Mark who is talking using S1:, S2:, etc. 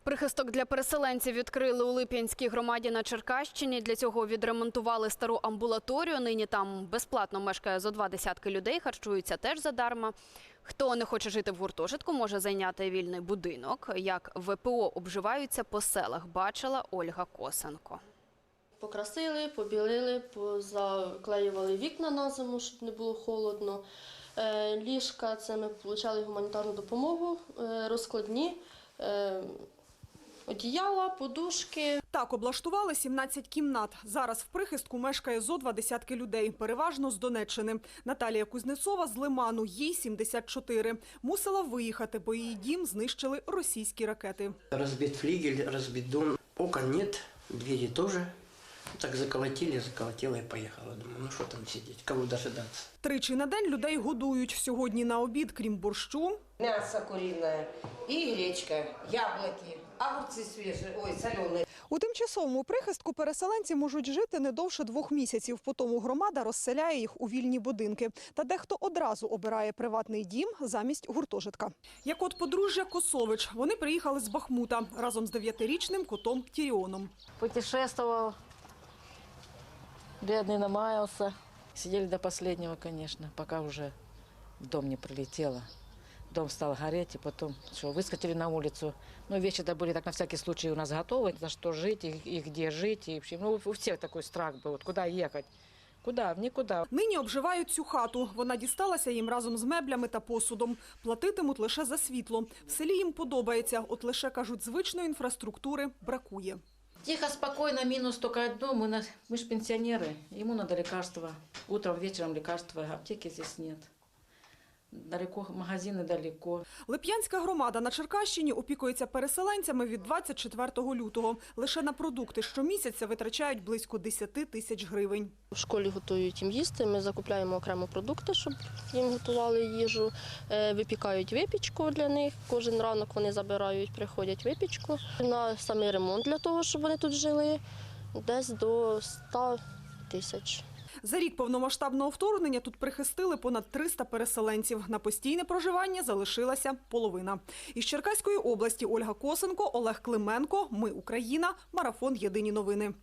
S1: Прихисток для переселенців відкрили у Лип'янській громаді на Черкащині. Для цього відремонтували стару амбулаторію. Нині там безплатно мешкає зо 20 людей, харчуються теж задарма. Хто не хоче жити в гуртожитку, може зайняти вільний будинок. Як ВПО обживаються по селах, бачила Ольга Косенко.
S2: Покрасили, побілили, позаклеювали вікна на зиму, щоб не було холодно. Ліжка – це ми отримали гуманітарну допомогу, розкладні, одіяла, подушки.
S3: Так облаштували 17 кімнат. Зараз в прихистку мешкає зо 20 людей, переважно з Донеччини. Наталія Кузнецова з Лиману, їй 74. Мусила виїхати, бо її дім знищили російські ракети.
S4: Розбит флігель, розбит дом, окон нет, двері теж. Так заколотили і поїхала. Думаю, ну що там сидіти, кого дожидатися.
S3: Тричі на день людей годують. Сьогодні на обід, крім борщу,
S5: мясо куриное и гречка, яблоки, огурцы свежие, соленые.
S3: у тимчасовому прихистку переселенці можуть жити не довше 2 місяців. Потому громада розселяє їх у вільні будинки. Та дехто одразу обирає приватний дім замість гуртожитка. Як от подружжя Косович. Вони приїхали з Бахмута разом з 9-річним котом Тіріоном.
S6: Путешествовал, бедный намаялся. Сидели до последнего, конечно, пока уже в дом не прилетело. Дом стал гореть, и потом выскочили на улицу. Ну, вещи-то были так на всякий случай у нас готовы, за что жить и где жить. И, в общем, ну, у всех такой страх был, вот куда ехать. Куда? В нікуди.
S3: Нині обживають цю хату. Вона дісталася їм разом з меблями та посудом. Платитимуть лише за світло. В селі їм подобається, от лише, кажуть, звичної інфраструктури бракує.
S6: Тихо, спокойно, минус только одно, мы же пенсионеры, ему надо лекарства. Утром, вечером лекарства, аптеки здесь нет. Далеко, магазини далеко.
S3: Лип'янська громада на Черкащині опікується переселенцями від 24 лютого. Лише на продукти щомісяця витрачають близько 10 тисяч гривень.
S2: В школі готують їм їсти, ми закупляємо окремо продукти, щоб їм готували їжу. Випікають випічку для них, кожен ранок вони забирають, приходять випічку. На самий ремонт для того, щоб вони тут жили, десь до 100 тисяч.
S3: За рік повномасштабного вторгнення тут прихистили понад 300 переселенців. На постійне проживання залишилася половина. Із Черкаської області Ольга Косенко, Олег Клименко. Ми Україна. Марафон. Єдині новини.